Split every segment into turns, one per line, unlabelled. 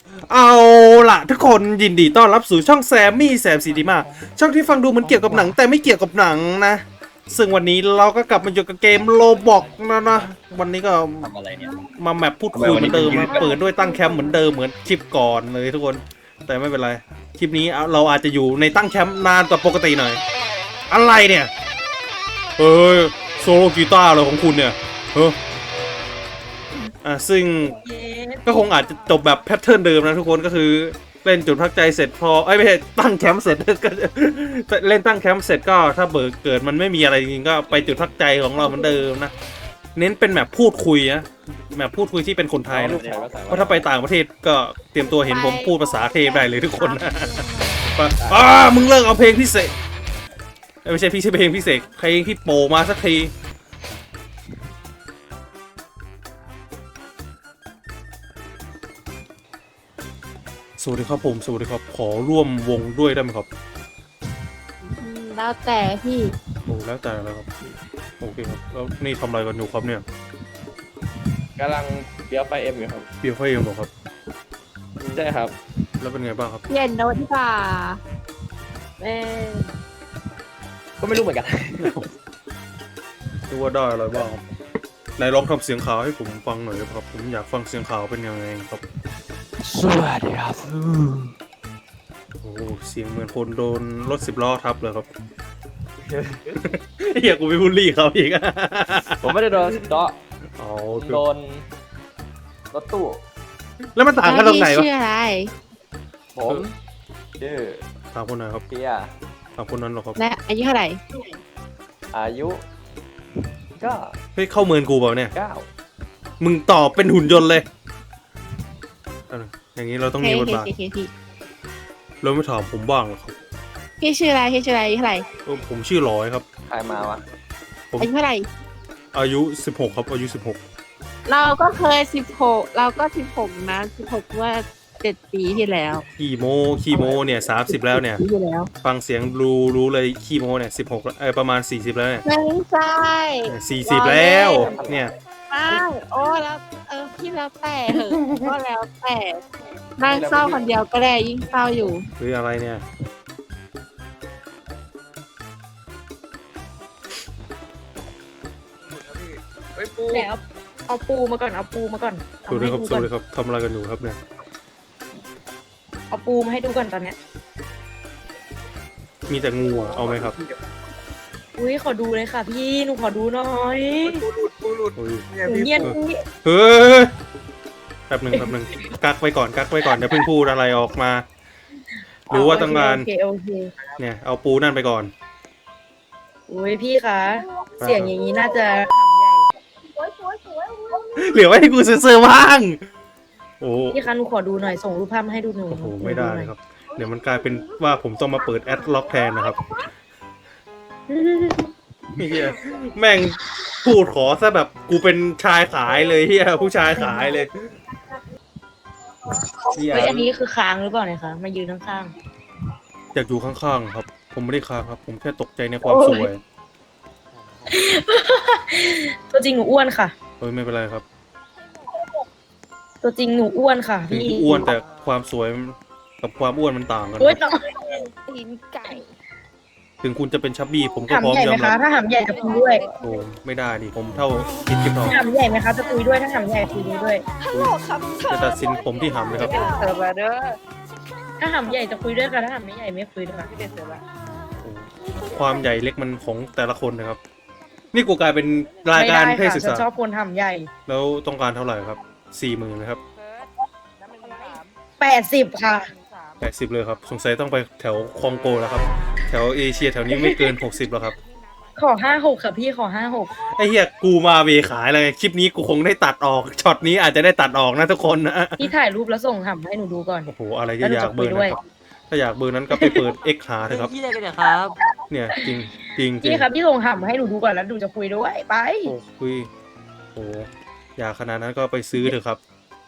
เอาล่ะทุกคนยินดีต้อนรับสู่ช่องแซมมี่แซมซีดีมาช่องที่ฟังดูเหมันเกี่ยวกับหนังแต่ไม่เกี่ยวกับหนังนะซึ่งวันนี้เราก็กลับมาอยู่กับเกมโลบอกนะวันนี้ก็
ทำอะไรเนี่ย
มาแมปพูดคุยเหมือนเดิมนะเปิดด้วยตั้งแคมป์เหมือนเดิมเหมือนคลิปก่อนเลยทุกคนแต่ไม่เป็นไรคลิปนี้เราอาจจะอยู่ในตั้งแคมป์นานกว่าปกติหน่อยอะไรเนี่ยเฮ้ยโซโลกีตาร์เลยของคุณเนี่ยซึ่งก็คงอาจจะจบแบบแพทเทิร์นเดิมนะทุกคนก็คือเล่นจุดพักใจเสร็จพอไม่ใช่ตั้งแคมป์เสร็จก็เล่นตั้งแคมป์เสร็จก็ถ้าเกิดมันไม่มีอะไรจริงๆก็ไปจุดพักใจของเราเหมือนเดิมนะเน้นเป็นแบบพูดคุยนะแบบพูดคุยที่เป็นคนไทยนะเพราะถ้าไปต่างประเทศก็เตรียมตัวเห็นผมพูดภาษาเทพได้เลยทุกคนนะมึงเลิกเอาเพลงพิเศษไม่ใช่เพลงพิเศษเพลงที่โปมาสักทีสวัสดีครับผมสวัสดีครับขอร่วมวงด้วยได้ไหมครับ
แล้วแต่พี่
โอ้แล้วแต่แล้วครับโอเคครับแล้วนี่ทำอะไรกันอยู่ครับเนี่ย
กำลังเบี้ยวไฟเอ็มอยู่ครับ
เบียร์ไฟเองเหรอครับ
ใช่ครับ
แล้วเป็นไงบ้างครับ
เย็นโน้ตดีกว่าเออ
ก็ไม่รู้เหมือนกัน
ดูว่าได้อะไรบ้างครับไหนลองทำเสียงข่าวให้ผมฟังหน่อยครับผมอยากฟังเสียงข่าวเป็นยังไงครับ
สวัสดีครับ
โอ้เสียงเหมือนคนโดนรถ10 ล้อทับเลยครับ เฮียกูไปบูลลี่เขาอีก
ผมไม่ได้โดนเดาะ
อ๋อ
โดนรถตู้
แล้วมันต่างกันตรงไหน
แล้ว
วะ
พี่ชื่ออะไร
ผมชื่อ
ถามคนไหนครับ
เปีย
ถามคนนั้นเหรอครับ
และอายุเท่าไหร่
อายุก็
เฮ้ยเข้าเมือนกูเปล่าเนี่ย
9
มึงตอบเป็นหุ่นยนต์เลยอย่างนี้เราต้องมีบทบาท
พี่
เราไม่ถามผมบ้างเหรอครับ
พี่ชื่ออะไรพี่ชื่ออะไรอายุเท่าไหร่
ผมชื่อร้อยครับ
ใครมาวะ
อายุเท่าไหร่
อายุ16ครับอายุ16
เราก็เคย16เราก็16นะ16ว่า7 ปีที่แล้ว
ขี้โมเนี่ย30แล้วเนี่ย
ปีที่แล้ว
ฟังเสียงรู้เลยขี้โมเนี่ย16ประมาณ40แล้วเนี่ย
ไม่ใช่
40แล้วเนี่ย
ไม่โอ้แล้วพี่แล้วแต่เหอะก็แล้วแต่นั่งเศร้าคนเดียวก็ได้ยิ่งเศร้าอยู่
หรืออะไรเนี่ย
แล้วเอาปูมาก่อนเอาปูมาก่อน
สวัสดีครับสวัสดีครับทำอะไรกันอยู่ครับเนี่ย
เอาปูมาให้ดูก่อนตอนเนี้ย
มีแต่งูอะเอาไหมครับ
อุ้ยขอดูเลยค่ะพี่หนูขอดูหน่อย
โอ้ย
หนูเงียบ
เฮ้ยแป๊บหนึ่งกักไว้ก่อนเดี๋ยวเพิ่งพูดอะไรออกมารู้ว่าต้องการ
โอเค
เนี่ยเอาปูนั่นไปก่อน
อุ้ยพี่คะเสียงอย่างนี้น่าจะ
เหลือไว้ให้กูเซ็นเซอร์บ้างโอ้
พี่คะหนูขอดูหน่อยส่งรูปภาพมาให้ดูหนู
โหไม่ได้เลยครับ เดี๋ยวมันกลายเป็นว่าผมต้องมาเปิดแอดล็อกแทนนะครับเฮียแม่งพูดขอซะแบบกูเป็นชายขายเลยเฮียผู้ชายขายเลยเฮีย
เฮ้ยอันนี้คือค้างหรือเปล่าเนี่ยคะมายืนข้าง
อยากอยู่ข้างๆครับ ผมไม่ได้ค้างครับ ผมแค่ตกใจในความสวย
ๆตัวจริงหนูอ้วนค่ะ
เฮ้ยไม่เป็นไรครับ
ตัวจริงหนูอ้วนค่ะ
ถึง
พี่
กูอ้วนแต่ความสวยกับความอ้วนมันต่างกัน
โอ๊ย
ครับ
ตีนไก่
ถึงคุณจะเป็นชับบี้ผมก็
หำ
พร้อม
ใหญ่
ย
ไห
อ
ม
ม
คะ
รับ
ถ้าหำใหญ่จะคุยด้วย
โอ้ไม่ได้ดิผมเท่าคิดกิ๊บทอง
หำใหญ่ไหมคะจะคุยด้วยถ้าหำใหญ่คุยด้วย
จะตัดสินผมที่หำเลยครับ
เสิร์ฟเด้อถ้าหำใหญ่จะคุยด้วยค่ะถ้าหำไม่ใหญ่ไม่คุยด้วยค่ะพี่เป็นเสิร์ฟละ
ความใหญ่เล็กมันของแต่ละคนนะครับ นี่กูกลายเป็นรายการเพศศึก
ฉัน
ษา
ชอบคนหำใหญ่
แล้วต้องการเท่าไหร่ครับ40,000นะครับ
80ค่ะ
80เลยครับสงสัยต้องไปแถวคองโกแล้วครับ แถวเอเชียแถวนี้ไม่เกิน60แล้วครับ
ขอ56ค่ะพี่ขอ56
ไอ้เหี้ยกูมาเวขายเลยคลิปนี้กูคงได้ตัดออกช็อตนี้อาจจะได้ตัดออกนะทุกคนนะ
พี่ถ่ายรูปแล้วส่งหำให้หนูดูก่อน
โอ้โหอะไรจะอยากเบอร์นะครับถ้าอยากเบอร์นั้นก็ไปเปิด X หาเถอะครับ
พี่อะไรกันเนี่ยครับ
เนี่ยจริงจริง
พี่ครับพี่ส่งหำให้หนูดูก่อนแล้วดูจะคุยด้วยไป
โอ้คุยโอ้อยากขนาดนั้นก็ไปซื้อเถอะครับ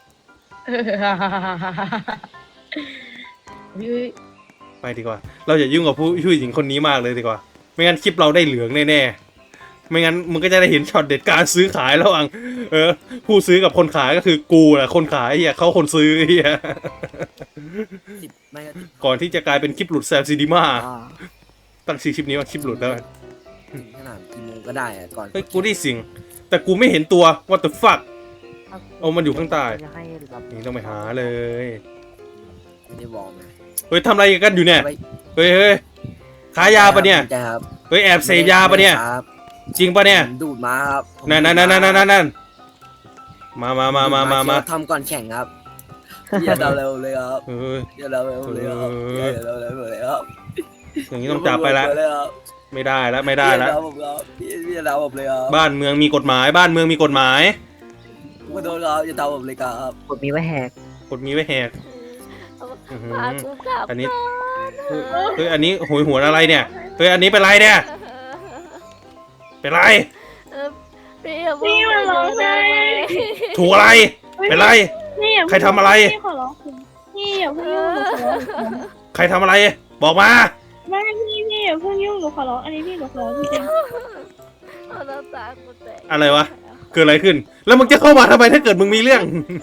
พี่
ไปดีกว่า เราอย่ายุ่งกับผู้หญิงคนนี้มากเลยดีกว่า ไม่งั้นคลิปเราได้เหลืองแน่ไม่งั้นมึงก็จะได้เห็นช็อตเด็ดการซื้อขายระหว่างผู้ซื้อกับคนขายก็คือกูแหละคนขายเฮียเขาคนซื้อเฮีย
10ไม่ก็10
ก่อนที่จะกลายเป็นคลิปหลุดแซมซีดีมา
อ่า
ตั้งชื่อคลิปนี้ว่าคลิปหลุดแล้วกัน
ขนาดกี่โมงก็ได้อะก่อน
เฮ้ยกูได้สิ่ง แต่กูไม่เห็นตัว what the fuck เอามันอยู่ข้างใต้
จะให้รับ
นี่ต้องไปหาเลย
ไม่ได้วอร์มนะ
เฮ้ยทำอะไรกันอยู่เนี่ย
ไว้
เฮ้ยเฮ้ยขายยาปะเนี่ย
ใช่ครับ
เฮ้ยแอบเสพยาปะเนี่ย
ครับ
จริงปะเนี่ย
ผมดูดมาครับผม
นั่นมา
ทำก่อนแข่งครับอย่าเดาเร็วเลยครับ
เฮ้ย
อย่าเดาเร็วเลยครับอย่าเดาเร็วเลยครับ
อย่างนี้ต้องจับไปละ
เลยครับ
ไม่ได้แล้วไม่ได้แล้ว
อย่าเดาผมครับพี่อย่าเดาผมเลยครับ
บ้านเมืองมีกฎหมาย บ้านเมืองมีกฎหมาย
ขอโทษครับอย่าเดาผมเลยครับ
กดมีไว้แหก
กฎมีไว้แหก อื้อหือ
พากูกลับ
อันนี้ เฮ้ยอันนี้โหยหวนอะไรเนี่ยเฮ้ยอันนี้เป็นไรเนี่ยเป็นไร
พี่อย่าพี่มาร้องไห้
ถูกอะไรเป็นไร
นี่อย่า
ใครทำอะไร
พี่ขอร้องคุณพี่อย่าเพิ่งยุ่งหนูขอร้อง
ใครทำอะไร บอกมา
ไม่พี่อย่าเพิ่งยุ่งหนูขอร้องอันนี้พี่หนูขอร้องจริง
เอาน้ำตากูแตก
อะไรวะ เกิดอะไรขึ้น แล้วมึงจะเข้ามาทำไมถ้าเกิดมึงมีเรื่อง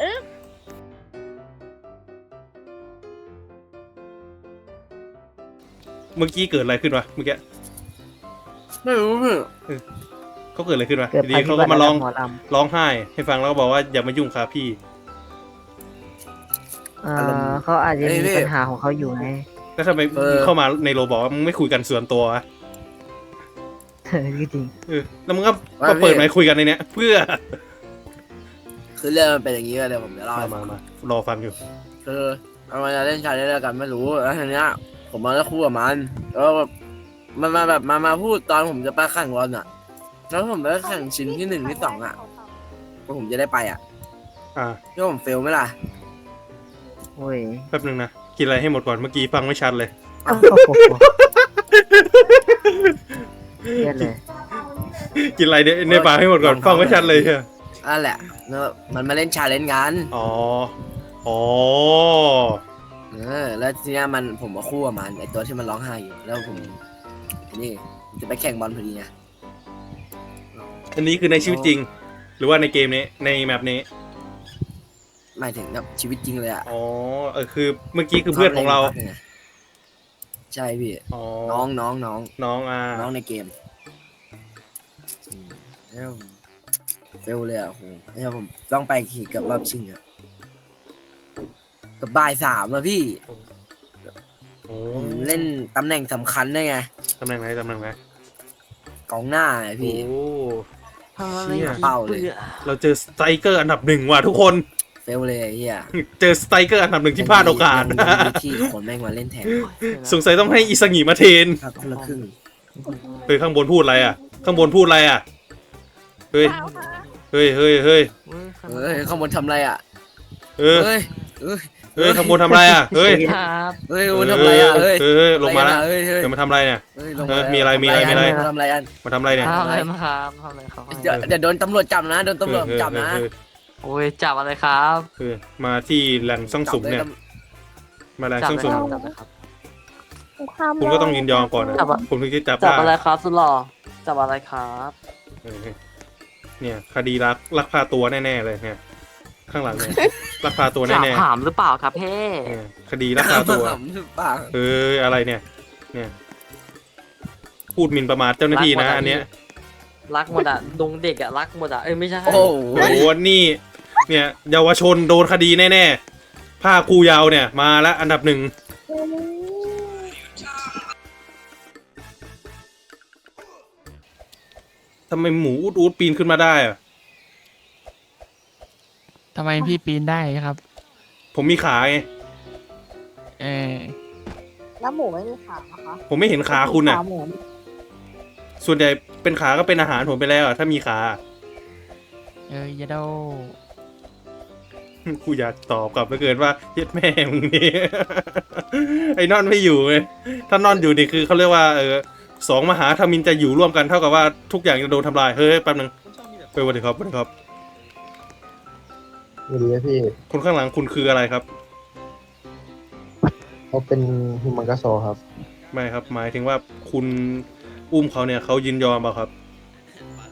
เมื่อกี้เกิดอะไรขึ้นวะเมื่อกี้
ไม่รู้พี่
เขาเกิดอะไรขึ้นวะ
เกิด
ดี
ภัย
ๆ
พิ
เขา
บั
ก็
ติ
มาร้อง
หมอล
ร้องไห้ ให้ฟังแล้วก็บอกว่าอย่ามายุ่งค่ะพี่
ำเขาอาจจะมีปัญหาของเขาอยู่ไง
แล้วทำไมมึงเข้ามาในโรบอกว่ามึงไม่คุยกันส่วนตัววะ
จริง
แล้วมึงก็มาเปิดไมค์คุยกันในเนี้ยเพื่อ
คือเรื่องมันเป็นอย่างนี้เลยเดี๋ยวผมจะเล่าให้ฟัง
มารอฟังอยู่
คือมันจะเล่นชาเลนจ์อะไรกันไม่รู้แล้วทีเนี้ยผมมาแล้วคู่กับมันแล้วแบบมันมาแบบมาพูดตอนผมจะไปแข่งบอลอ่ะ แล้วผมไปแข่งชิ้นที่1ที่2อ่ะผมจะได้ไปอ่ะ
อ่า
ที่ผมเฟลไหมล่ะ
โอ้ย
แป๊บนึงนะ กินอะไรให้หมดก่อน เมื่อกี้ฟังไม่ชัดเลย
โอ้โหเยอะเลย
กินอะไรเนี่ยในปากให้หมดก่อน ฟังไม่ชัดเลยใช่
นั่นแหละแล้วมันมาเล่นชาเลนจ์กัน
อ๋อ อ๋อ
แล้วทีเนี้ยผมมาคู่กับมันไอตัวที่มันร้องไห้อยู่แล้วผมนี่จะไปแข่งบอลพอดีไง
อันนี้คือในชีวิตจริง หรือว่าในเกมนี้ ในแมปนี้
หมายถึงแบบชีวิตจริงเลยอ่ะ
อ๋อ คือเมื่อกี้คือเพื่อนของเรา
ใช่พี่
อ๋อ
น้อง
น้อง
น้องในเกมแล้วเฟลเลยอ่ะโหแล้วผมต้องไปขี่กับรอบชิงอ่ะกับบ่าย3อ่ะพี่
โอ้
ผมเล่นตำแหน่งสำคัญด้วยไง
ตำแหน่งไหนตำแหน่งไหน
กองหน้าไง
โอ้
พี่
เชี่ย
เป้าเลย
เราเจอสไตรเกอร์อันดับ 1ว่ะทุกคน
เฟลเลยไอ้เฮีย
เจอสไตรเกอร์อันดับ 1ที่พลาดโอกาส
ยังมีที่คนแม่งมาเล่นแทน
สงสัยต้องให้อิสงิมาเทน
ครับคนละครึ่ง
เฮ้ยข้างบนพูดอะไรอ่ะ ข้างบนพูดอะไรอ่ะ เฮ้ย เฮ้ย เฮ้ย เฮ้ย
เฮ้ยข้างบนทำอะไรอ่ะ
เออ
เฮ้ยเฮ้ย
เฮ้ยข้างบนทำอะไรอ่ะ เฮ้ย
ครับ
เฮ้ยข้างบนทำอะไรอ่ะเฮ้ย
เฮ้ยลงมาแล้ว
เฮ้ยเฮ้ย
เดี๋ยวมาทำอะไรเนี่ย
เฮ้ยลง
เออมีอะไรมีอะไร
มาทำอะไรกัน
มาทำอะไรเนี่ย
ทำอะไรมาครับทำอะไรครับ
เดี๋ยวโดนตำรวจจับนะโดนตำรวจจับนะ
เออ
โอ้ยจับอะไรครับ
เออมาที่แหล่งซ่องสุมเนี่ย มาแหล่งซ่องสุม
จับอะไรครับ
ๆ
คุณก็ต้องยินยอมก่อนนะ
จับอะ
ผมถึงจะจับ
จับ
ได้
อะไรครับสุดหล่อจับอะไรครับ
เออเนี่ยคดีลักพาตัวแน่ๆเลยเนี่ยข้างหลังเนี่ยลักพาตัว
จับ
แน่
ถามหรือเปล่าครับเพ่
ๆเนี่ยคดีลักพาตัว
ปาก
เอ้ยอะไรเนี่ย เนี่ยพูดหมิ่นประมาทเจ้าหน้าที่นะอันเนี้ย
รักหมดอ่ะดงเด็กอ่ะรักหมดอ่ะเอ้ยไม่ใช่
โอ้โห
โอ้โหนี่ เนี่ยเยาวชนโดนคดีแน่ๆผ้าครูยาวเนี่ยมาแล้วอันดับ 1ทำไมหมูอูดปีนขึ้นมาได้อะ
ทำไมพี่ปีนได้ครับ
ผมมีขาไง
เออ
แล้วหมูไม่มีขานะคะ
ผมไม่เห็นขาคุณน่ะ
หมู
ส่วนใหญ่เป็นขาก็เป็นอาหารผมไปแล้วอะถ้ามีขา
ยาโด
กูอยากตอบกลับไปเกินว่าเย็ดแม่มึงนี่ ไอ้นอนไม่อยู่ไงถ้านอนอยู่นี่คือเขาเรียกว่าสองมหาธมินจะอยู่ร่วมกันเท่ากับว่าทุกอย่างจะโดนทำลายเฮ้ยแป๊บนึงเฮ้ยสวัสดีครับสวัสดีครับ
สวัสดีครับพี่
คนข้างหลังคุณคืออะไรครับ
เขาเป็นฮิมังกาโซครับ
ไม่ครับหมายถึงว่าคุณอุ้มเขาเนี่ยเขายินยอมเปล่าครับ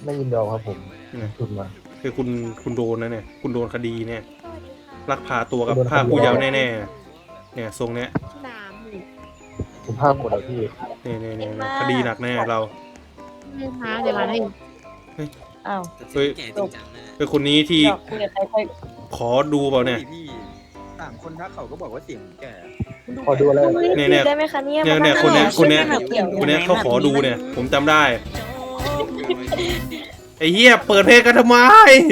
ไม่ยินยอมครับผมทุนมา
คือคุณโดนนะเนี่ยคุณโดนคดีเนี่ยลักพาตัวกับพรากผู้เยาว์แน่ๆเนี่ยทรงเนี้ย
น้ำนี่
ผมภาพหมดแล้วพี่
เนี่ยคดีหนักแน่เรา
น้ำเดี๋ยวมาให้อ้าว
เฮ้ยคือคนนี้ที่
เดี๋ยวคุยกับใครค่อย
ขอดูเปล่าเนี่ย
พี่ต่างคนทักเขาก็บอกว่าเสียงแก่
ขอดูอะไร
เนี่ย
ได้ไหมคะเนี่ย
เนี่ยคนเนี้ยเขาขอดูเนี่ย ผมจำได้ไอ้เหี้ยเปิดเพลงกันทำไม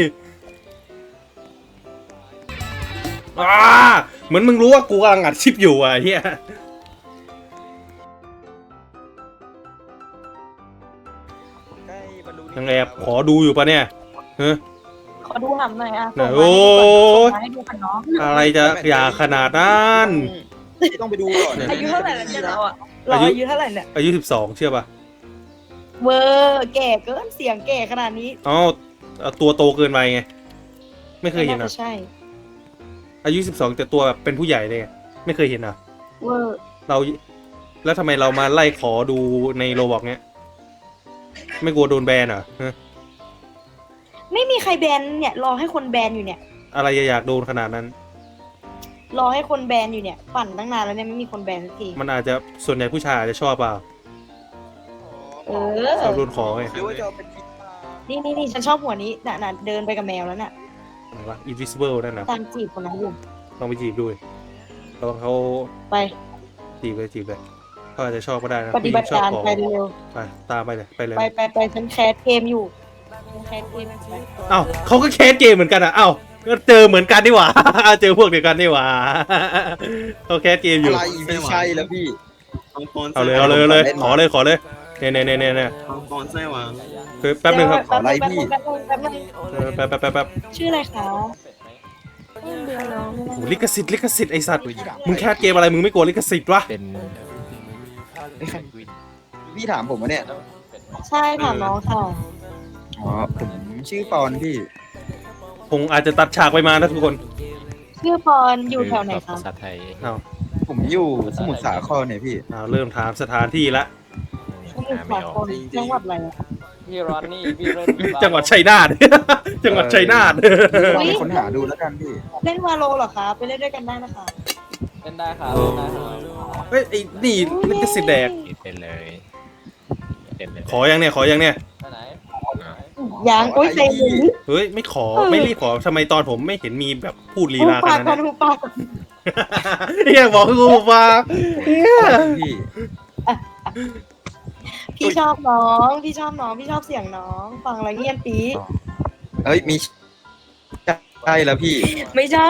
เหมือนมึงรู้ว่ากูกำลังอัดคลิปอยู่อ่ะไอ้เหี้ยยังแอบขอดูอยู่ปะเนี่ยเฮ้ย
ขอดูหำหน่อยอ่ะ
โอ้ย
ให้ดูกันเนาะ
อะไรจะอย่าขนาดนั้น
ต้องไปดูก่อน
อายุเท่าไหร่แล้วเนี่ยเราอ่ะเราอายุเท่าไหร่เนี่ย
อายุ12เชื่อป่ะ
เวอร์แก่เกินเสียงแก่ขนาดนี้
อ๋อตัวโตเกินไปไงไม่เคยเห็น
น่า
อ่ะ
จะใช่
อายุ12แต่ตัวแบบเป็นผู้ใหญ่เลยไงไม่เคยเห็นอ่ะ
เวอร์
เราแล้วทำไมเรามาไล่ขอดูในโรบอกเนี้ยไม่กลัวโดนแบนเหรอฮะ
ไม่มีใครแบนเนี่ยรอให้คนแบนอยู่เนี่ย
อะไรจะอยากโดนขนาดนั้น
รอให้คนแบนอยู่เนี่ยปั่นตั้งนานแล้วเนี่ยไม่มีคนแบนสักที
มันอาจจะส่วนใหญ่ผู้ชายอาจจะชอบเปล่า
เอ
ชอบ
อ
โดนขอไง
หรือว่าจะเอาเป็นฟีฟ่า
นี่ฉันชอบหัวนี้น่ะเดินไปกับแมวแล้วน่ะ
อะไรวะ invisible นั่นนะ
ตามจีบคนนั้นอยู่
ลองไปจีบดูดิลองเขา
ไป
จีบเลยเขาอาจจะชอบก็ได้นะ
ปฏิบัติ
ชอบ
การ
ขอ
ไปเร็ว
ไปตามไปเลยไปเลย
ไปฉันแคสเกมอยู่ฉันแคสเกมอยู่
เอ้าเขาก็แคสเกมเหมือนกันอ่ะเอ้าก็เจอเหมือนกันนี่หว่า เจอพวกเดียวกันนี่หว่า เขาแคสเกมอยู่
อะไรไม่ใช่แล้วพี่
เอาเลยขอเลยเนี่ย
ตอนไส้หวาง
แป๊บนึงครับ
ขอไลค์พี่
แป๊บนึง
แป๊บ
ชื่ออะไรคะเบื่อน้อง
โหลิขสิทธิ์ไอสัตว์มึงแคสเกมอะไรมึงไม่กลัวลิขสิทธิ์วะ
เป็น
พี่ถามผมว่าเนี่ย
ใช่ถามน้องค่ะ
อ๋อผมชื่อปอนพี่
คงอาจจะตัดฉากไปมานะทุกคน
ชื่อพรอยู่แถวไหนคะ
ภาษาไทย
เอา
ผมอยู่สมุทรสาครเนี่ยพี่
เริ่มถามสถานที่ละ
สมุทรสาครจังหวัดอะไรอะ
พี่รอนนี่พี่เล่น
จังหวัดชัยนาท จังหวัดชัยนาท
ลองไปค้นหาดูแล้วกันพี่
เล่นวาโลเหรอคะไปเล่นด้วยกันได้นะคะ
เล่นได้ครับเล่นได้ครับ
เฮ้ยไอ้นี่ลิขสิทธิ์แดก
เป็นเลยเป็นเลย
ขอยังเนี่ย
ไปไหน
ยังอุ้ยเซ็งเลย
เฮ้ยไม่ขอไม่รีบขอทำไมตอนผมไม่เห็นมีแบบพูดลี
หู
ลาข
ปาก
นาด
ก่อ
นั้น น
หูปากก่อน
เฮียบอกคือกูฟังเฮีย
พี่
พี่ชอบน้องพี่ชอบเสียงน้อง ฟังแล้วเงียบปี
เอ้ยมีใช่แล้วพี่
ไม่ใช่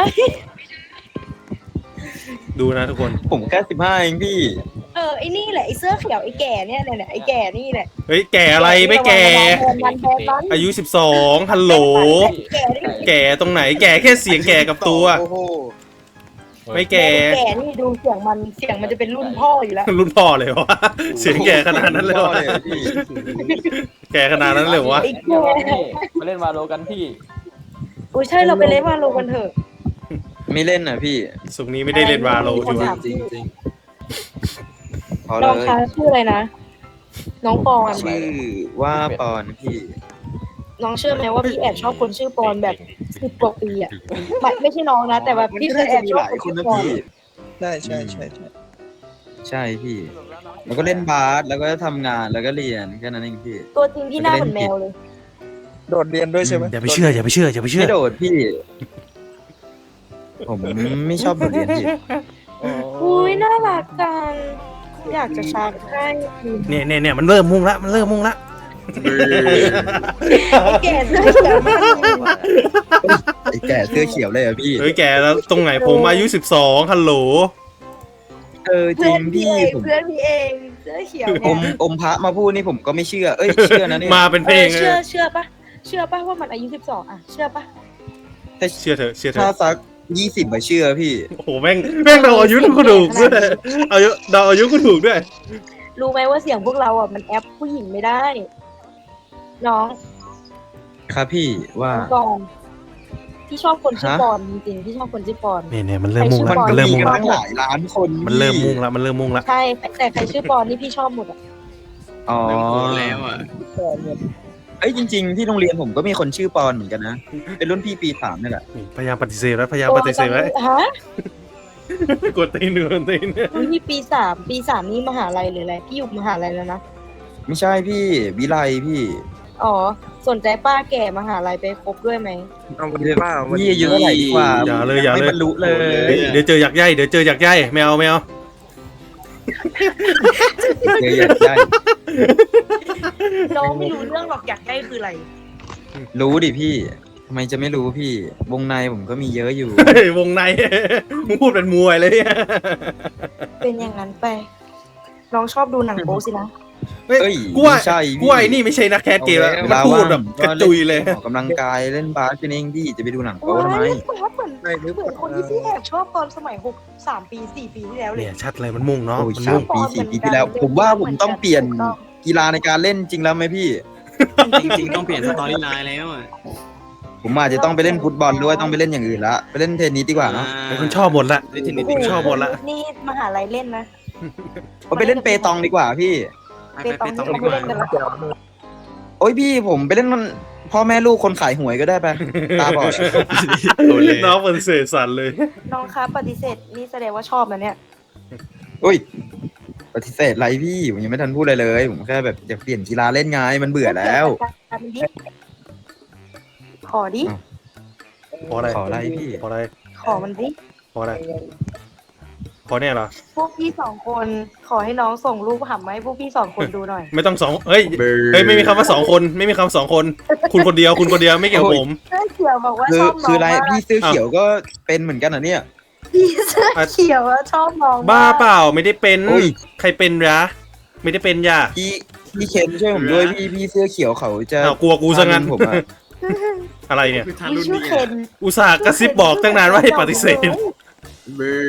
ดูนะทุกคน
ผมแค่15เองพี่
ไอ้นี่แหละไอ้เสื้อเขียวไอ้แก่เนี่ยไอ้แก่นี่แหละ
เฮ้ยแก่อะไรไม่แก่
มันแบนมัน
อายุ12ฮัลโหล
แก่นี่
แก่ตรงไหนแก่แค่เสียงแก่กับตัว
โอ้โห
ไม่แก่
แก่นี่ดูเสียงมันจะเป็นรุ่นพ่ออยู่แล้ว
รุ่นพ่อเลยวะเสียงแก่ขนาดนั้นเลยวะ
พี่
แก่ขนาดนั้นเลยวะ
ไอ้
พี่รอน
แก่
นี่มาเล่นวาโลกันพี่
อุ้ยใช่เราไปเล่นวาโลกันเถอะ
ไม่เล่นนะพี่
สุกนี้ไม่ได้เล่นวาโลอยู่
จริงจริงพอเล
น้อง
ย
คะชื่ออะไรนะ น้องปอน
ชื่อว่าปอนพี่
น้องเชื่อไหมว่าพี่แอบชอบคนชื่อปอนแบบ10 กว่าปีอะไม่ใช่น้องนะ แต่ว่าพี่เคยแอบชอบคนชื่อปอน
ใช่ใช่พี่ แล้วก็เล่นบาสแล้วก็ทำงานแล้วก็เรียนแค่นั้นเองพี่
ตัวจริงพี่หน้าเหมือนแมวเลย
โดดเรียนด้วยใช่ไหม
อย่าไปเชื่อ
ไม่โดดพี่ ผมไม่ชอบโดดเรียนพี่
อุ้ยน่ารักจังอยากจะชักให้
เนี่ยมันเริ่มมุ่งละ
ไอ้แก่เสื้อเขียวมากเลยว่ะ
ไอ้แก่เสื้อเขียวเลยอะพี่
เฮ้ยแก่แล้วตรงไหนผมอายุ12ฮัลโหล
จริงพี่ผม
เพื่อนพี่เองเสื้อเขียว
อ
เนี่ย
มพระมาพูดนี่ผมก็ไม่เชื่อ เอ้ยเชื่อนะเนี่ย
มาเป็นเพลง
เชื่อปะว่ามันอายุ12อ่ะเชื่อปะ
แต่
เชื่อเถอะ
ถ้าสัก20มาเชื่อพี่
โอ้โหแม่งเราอายุก็ถูกด้วยอายุก็ถูกด้วย
รู้ไหมว่าเสียงพวกเราอ่ะมันแอปผู้หญิงไม่ได้ น้อง
ครับพี่ว่า
ปอนพี่ชอบคนชื่อปอนจริงๆพี่ชอบคนชื่อปอน
เนี่ยมันเริ่มมุ่ง
มัน
ละ
ก็
มันเริ่ม
มี
มุ่ง
กัน
ละ
ตั้งหลายล้านคน
มันเริ่มมุ่งละ
ใช่แต่ใครชื่อปอนนี่พี่ชอบหมดอ่ะ
อ๋อเอ้ยจริงๆที่โรงเรียนผมก็มีคนชื่อปอนเหมือนกันนะเป็นรุ่นพี่ปี3นี่แหละ
พยายามปฏิเสธแล้วพยายามปฏิเสธไว้
ฮะ
กดตีนกดตีน
นี่ปี 3นี่มหาลัยหรืออะไรพี่อยู่มหาลัยแล้วนะ
ไม่ใช่พี่วิไลพี่
อ๋อสนใจป้าแก่มหาลัยไปคบด้วยไหม
เอาไปเลยว่า
พี่อายุเท่าไหร่ดีกว่า
อย่าเลยอย่า
ไม่
เลย
บรรลุเลย
เดี๋ยวเจออยากใยเดี๋ยวเจออยากใยไม่เอาไม่เอา
เดี๋ยวอยากได้
น้องไม่รู้เรื่องหรอกอยากได้คืออะไร
รู้ดิพี่ทำไมจะไม่รู้พี่ วงในผมก็มีเยอะอยู่
เฮ้ยวงใน มึงพูดเป็นมวยเลยเนี่ย
เป็นอย่างนั้นไป น้องชอบดูหนังโป๊สินะ
เฮ้ย
เอ้ย
กูว่า
ไม่ใช่พี่
กูว่าไอ้นี่ไม่ใช่นักแคสเกมแล้ว
เว
มัน
ลา
พูด
ว่าง
แบบกระจุยเลย
ออกกำลังกายเล่นบาสกันเองพี่จะไปดูหนังโป๊ทำไม
เล่นบาสเหมือนคนที่พี่แอบชอบตอนสมัย3 ปี 4 ปีที่แล้วเลย
เนี่ยชัดเลยมันมุ่งเนาะ
โอ้ย
มัน
สา
มุ่
ม
ง
ปี4 ปีที่แล้ว ผมว่าผมต้องเปลี่ยนกีฬาในการเล่นจริงแล้วไหมพี่
จริงๆต้องเปลี่ยนสตอรี่ไลน์แล้วอ่ะ
ผมอาจจะต้องไปเล่นฟุตบอลด้วยต้องไปเล่นอย่างอื่นละไปเล่นเทนนิสดีกว่าเนอะ
ไอ้คนชอบหมดละ
เล่นเทนนิส
ชอบหมดละ
นี่มหาลัยเล่นนะ
ผมไปเล่นเปตองดีกว่าพี่
ไปต้อง
ไป
ดี
ตอง
กว่า
เล่นกันละ
โอ้ยพี่ผมไปเล่นมันพ่อแม่ลูกคนขายหวยก็ได้ไปตาบอด
น้องปฏิเสธสั่นเลย
น้องคะปฏิเสธนี่แสดงว่าชอบนะเนี่ย
อุ้ยปฏิเสธไรพี่ผมยังไม่ทันพูดอะไรเลยผมแค่แบบอยากเปลี่ยนกีฬาเล่นไงมันเบื่อแล้ว
ขอดิ
ขออะไร
ขออะไรพี่
ขออะไร
ขอมันดิ
ขออะไรขอเนี่ยเหรอ
พวกพี่2 คนขอให้น้องส่งรูปหำมาให้พวกพี่2 คนดูหน่อย
ไม่ต้องสองเฮ้ยเฮ้ยไม่มีคำว่า2 คนไม่มีคำ2 คน คุณคนเดียวคุณคนเดียวไม่เกี่ยวกับผม
เสื้อเขียวบอกว่า
คื
ช
อ
อบน้อง
คืออะไร
มาก
พี่เสื้อเขียวก็เป็นเหมือนกันเหรอเนี่ย
พี่เสื้อเขียวว่าชอบน้องมก
บ้าเปล่าไม่ได้เป็น
โอ้ย
ใครเป็นยะไม่ได้เป็นย่า
พี่เคนช่วยผมด้วยพี่เสื้อเขียวเขาจะ
อ้าวกลัวกูซะงั้น
ผมอะ
อะไรเนี่ย
คือทา
พี่
รุ่น
ชื่อ
นี้
เคน
อุตส่าห์กระซิบบอกตั้งนานว่าให้ปฏิเสธ
เบอร์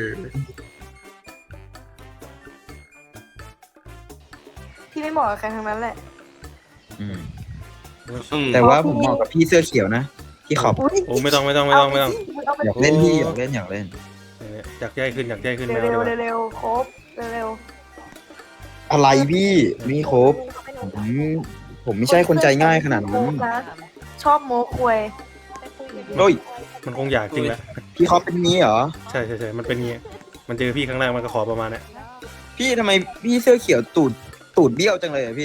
พี่ไม่เหมาะกับใครทั้งนั้นแหละ
อืมแต่ว่าผมเหมาะกับพี่เสื้อเขียวนะพี่ขอบ
อุ๊ย
โอ้ไม่ต้อง
เอาไป
อยากเล่นพี่อยากเล่น
อยากใหญ่ขึ้นอยากใหญ่ขึ้นไม่
เร็ว
เอาดีกว่า
ๆเร็วๆครบเร็ว
อะไรพี่มีครบผมไม่ใช่คนใจง่ายขนาดนั้น
ชอบโม้ควย
โอ้ย
มันคงอยากจริงแหละ
พี่เขาเป็นงี้เหรอ
ใช่มันเป็นงี้มันเจอพี่ครั้งแรกมันก็ขอประมาณเนี้ย
พี่ทำไมพี่เสื้อเขียวตูดเบี้ยวจังเลยอะพี่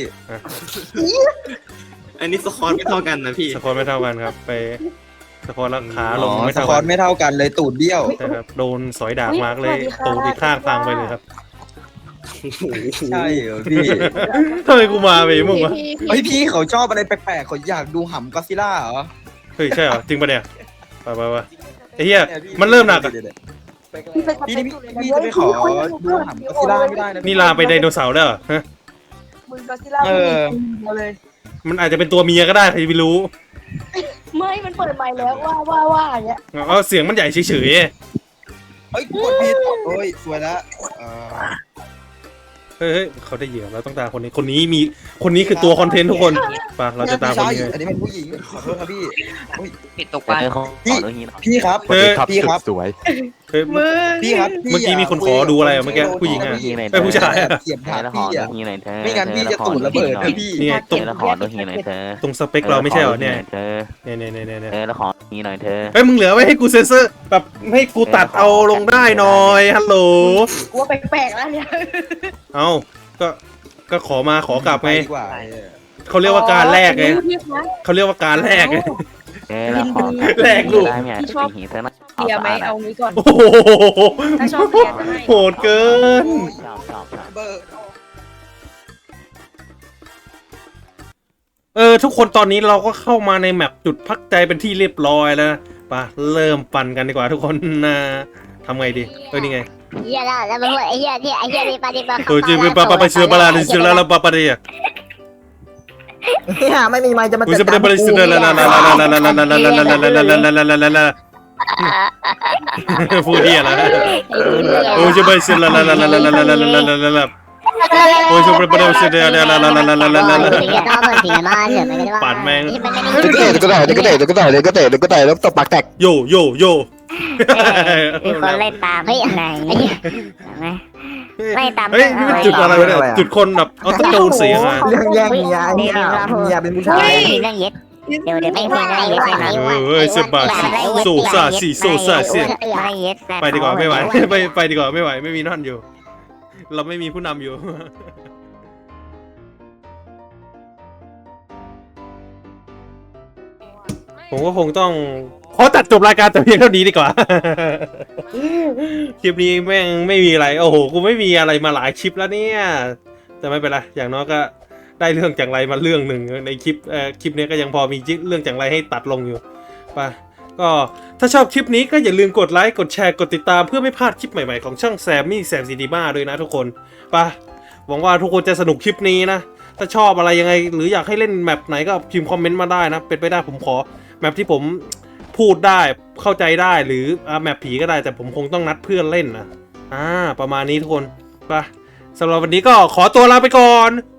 อันนี้สคอร์ไม่เท่ากันนะพี่
สปอร์ไม่เท่ากันครับ ไปสปอร์แล้วขาล
อ๋
ง
อ
ไม่
ส
เท่า
คอ
กั
ร์
น
ไม่เท่ากันเลยตูดเบี้ยว
ใช่ครับโดนสอยดาบมากเลยตูดอีกข้างพังไปเลยครับ
ใช่เหรอพี่
ทำไมกูมาไปมึงวะ
เฮ้ยพี่เขาชอบอะไรแปลกๆเขาอยากดูหำก็อดซิลล่าเหรอ
เฮ้ยใช่เหรอจริงปะเนี่ยไปไอ้เหี้ยมันเริ่มหนักอะ
พี่นี่พี่จะไปขอดูหำก็อดซิลล่าไม่ได้นะ
นี่ลาไปไดโนเสาร์แล้วเหรอฮะ
มึงก็ซิล่ามึงเลย
มันอาจจะเป็นตัวเมียก็ได้ใครจะไปรู้
ไม่มันเปิดใหม่แล้วว่าอย่างเงี้ย
เอาเสียงมันใหญ่เฉย
เฮ้ยกดผิดโอ้ยสวยแล้ว
ๆเฮ้ยเขาได้เหยื่อเราต้องตามคนนี้คือตัวคอนเทนต์ทุกคนไปเราจะตามคนนี้
อันนี้เป็นผู้หญิงขอโทษครับพี่
ปิดตกปลาเขา
พี่ครับ
เฮ้ย
พี่ครับ
สวย
เฮ้ย
พี่ครับ
เมื่อกี้มีคนขอดูอะไรอะเมื่อกี้ผู้หญิงอะ ไอ้ผู้ชายอะ
เสียบถาดพี่อะไม่งั้นพี่จะตูดระเบิดนะพี่
นี่ไงตรง
แล้วขอดูฮีหน่อยเธอ
ตรงสเปคเราไม่ใช่เหรอเนี่ย
เธอ
เนี่ย
แล้วขอฮีหน่อยเธอ
เฮ้ยมึงเหลือไว้ให้กูเซนเซอร์แบบให้กูตัดเอาลงได้หน่อยฮัลโหล
กูว่าแปลกๆแล้วเนี่ย
เอาก็ขอกลับไง
ดีกว่า
เขาเรียกว่าการแลกไงเขาเรียกว่าการแลกไง
แล้วขอ
แรกลูก
ได้ไหมฮีเธอนะ
เบียร์ไหมเอางี้ก่อน
โอ้โห
ถ้าชอบเบียร์จะให้
โหดเกิน
เบอร์
ทุกคนตอนนี้เราก็เข้ามาในแมปจุดพักใจเป็นที่เรียบร้อยแล้วนะไปเริ่มปั่นกันดีกว่าทุกคนนะทำไงดีนี่ไง
เฮียแล้วมันพูดไอ้เฮียที่ไอ้เฮียนี่ปาดิบา
โอ้ยจีบไปเสือบาลาดิเสือแล้วปาปาเดีย
ไม่มีไม้จะมา
โอ้ย
จั
จะ
ด
ไป
การ
บริสุทธิ์แล้วพูดเดียแล้วโอ้ยจะไปเสือแล้วโอ้ยจะไปบริสุทธิ์แล้วปั่นแม่ง
ก็ได้แล้วตบปากแตก
โย
มีคนเล่นตามเฮ้ยอะไร
ไม่ตาม
เฮ้ยนี่มันจุดอะไรวะเนี่ยจุดคนแบบเอาตะโกนเสียงอ่ะ
เรื่องแย่งเมียเนี่ยเมียเป็นผู้ชาย
เรื่องเย็ดเดี๋ยวไม่คุยเรื่องเย็ดนะ
เฮ้ยเซบาโซซาซีโซซาเสียไปดีกว่าไม่ไหวไปดีกว่าไม่ไหวไม่มีนั่นอยู่ เราไม่มีผู้นำอยู่ ผมก็คงต้องขอตัดจบรายการแต่เพียงเท่านี้ดีกว่า คลิปนี้แม่งไม่มีอะไรโอ้โหกูไม่มีอะไรมาหลายคลิปแล้วเนี่ยแต่ไม่เป็นไรอย่างน้อยก็ได้เรื่องจังไรมาเรื่องหนึ่งในคลิปนี้ก็ยังพอมีเรื่องจังไรให้ตัดลงอยู่ไปก็ถ้าชอบคลิปนี้ก็อย่าลืมกดไลค์กดแชร์กดติดตามเพื่อไม่พลาดคลิปใหม่ๆของช่องแซมมี่แซมซีดีมาด้วยนะทุกคนไปหวังว่าทุกคนจะสนุกคลิปนี้นะถ้าชอบอะไรยังไงหรืออยากให้เล่นแมปไหนก็พิมพ์คอมเมนต์มาได้นะเป็นไปได้ผมขอแมปที่ผมพูดได้เข้าใจได้หรือแมปผีก็ได้แต่ผมคงต้องนัดเพื่อนเล่นนะประมาณนี้ทุกคนไปสำหรับวันนี้ก็ขอตัวลาไปก่อน